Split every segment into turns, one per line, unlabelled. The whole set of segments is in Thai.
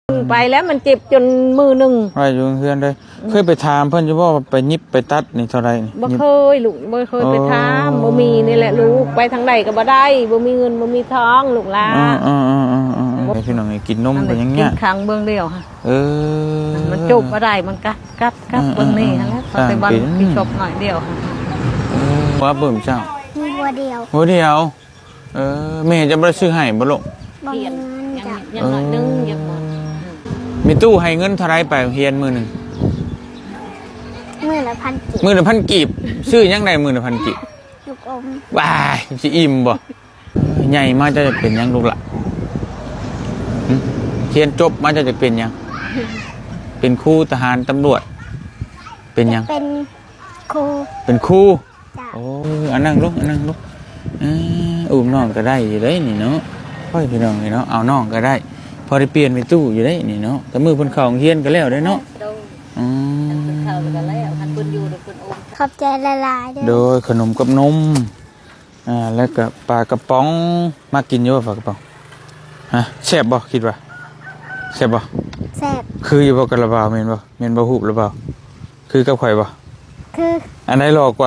ไปแล้วมันเจ็บจนมือหนึ่ง
ไปอยู่เพื่อนเลยเคยไปถามเพื่อนจะว่าไปยิบไปตัดนี่เท่าไรนี่
บ่เคยลูกบ่เคยไปถามบ่มีนี่แหละลูกไปทางใดก็บ่ได้บ่มีเงินบ่มีทองลูกหลาน
พี่น้องกินนมเป็นยังไง
กินครั้งเบื้องเดียวค่ะมันจุบบ่ได้มันกัดเบื้องนี้แล้วพอไปวันพี่ชบหน่อยเดียวค่ะ
ว่าเบิ่มเจ้า
มีบัวเดียว
แม่จะบ่ได้ซื้อให้บ่ลูก
บ่มีเงินจ้ะ
ยังหน่อยนึงยังหมด
มีตู้ให้เงินเท่าไรไปเฮียนมื้อนึง
มื้อละ1,000 กีบ
มื้อละ1,000 กีบซื้อยังได้มื้อละ1,000 กีบ
ลูกอม
ว้ายสิอิ่มบ่ใหญ่มาจะเป็นยังลูกล่ะเรียนจบมาจะเป็นยังเป็นครูทหารตำรวจเป็นยัง
เป็นครู
จ้ะโอ้อันนั่งลูกอุ้มน้องก็ได้อยู่ได้นี่เนาะพ่อพี่น้องนี่เนาะเอาน้องก็ได้พอได้เปลี่ยนไปตู้อยู่ได้นี่เนาะแต่มือเพิ่นเข้าโรงเรียนก็แล้วได้เนาะ
เข้ากันแล้วคันเพิ่นอยู่เพิ่นอม
ขอบใจละลาย
โดยขนมกับนมแล้วก็ปลากระป๋องมากินเยอะปลากระป๋องฮะแซ่บบ่คิดว่าแซ่บบ่
แซ่บ
คืออยู่บ่กระบาแม่นบ่ฮู้หรือเปล่าคือกับข่อยบ่
คือ
อันไหนหลอกกว่า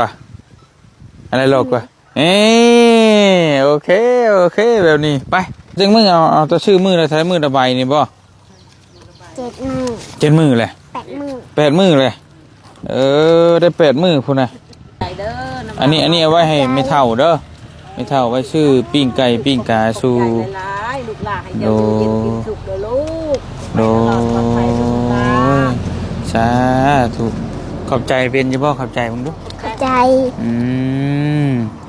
โอเคแบบนี้ไปจึงมึงเอาตัวชื่อมือแล้วใช้มือระบายนี่บ่7 มื้อเลย8 มื้อเลยได้8 มื้อพุ่นน่ะอันนี้เอาไว้ให้ไม่เท่าเด้อไม่เท่าไว้ชื่อปิ้งไก่ปิ้งกาสู่โดสาธุขอบใจเป็นจะบ่ขอบใจมึงดู
ขอบใจ